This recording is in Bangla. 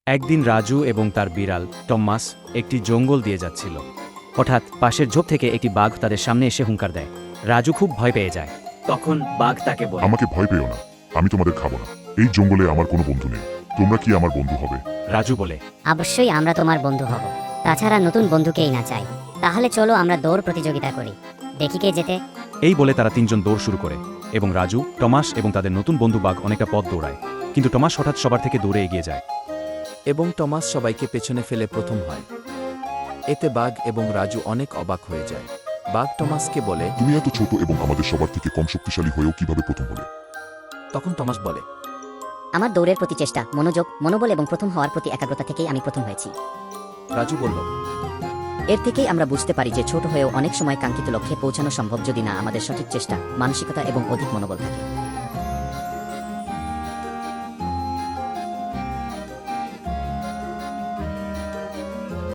একদিন রাজু এবং তার বিড়াল টম্মাস একটি জঙ্গল দিয়ে যাচ্ছিল। হঠাৎ পাশের ঝোপ থেকে একটি বাঘ তাদের সামনে এসে হুঙ্কার দেয়। রাজু খুব ভয় পেয়ে যায়। তখন বাঘ তাকে বলে, আমাকে ভয় পেও না, আমি তোমাদের খাবো না। এই জঙ্গলে আমার কোনো বন্ধু নেই, তোমরা কি আমার বন্ধু হবে? রাজু বলে, অবশ্যই আমরা তোমার বন্ধু হব। তাছাড়া নতুন বন্ধুকেই না চাই। তাহলে চলো আমরা দৌড় প্রতিযোগিতা করি, দেখি কে জেতে। এই বলে তারা তিনজন দৌড় শুরু করে এবং রাজু, টমাস এবং তাদের নতুন বন্ধু বাঘ অনেকটা পথ দৌড়ায়। কিন্তু টমাস হঠাৎ সবার থেকে দূরে এগিয়ে যায়। এবং টমাস সবাইকে পেছনে ফেলে প্রথম হয়। এতে বাঘ এবং রাজু অনেক অবাক হয়ে যায়। বাঘ টমাসকে বলে, তুমি এত ছোট এবং আমাদের সবার থেকে কম শক্তিশালী হয়েও কিভাবে প্রথম হলে? তখন টমাস বলে, আমার দৌড়ের প্রতি চেষ্টা, মনোযোগ, মনোবল এবং প্রথম হওয়ার প্রতি একাগ্রতা থেকেই আমি প্রথম হয়েছি। রাজু বলল, এর থেকেই আমরা বুঝতে পারি যে ছোট হয়েও অনেক সময় কাঙ্ক্ষিত লক্ষ্যে পৌঁছানো সম্ভব যদি না আমাদের সঠিক চেষ্টা, মানসিকতা এবং অধিক মনোবল থাকে।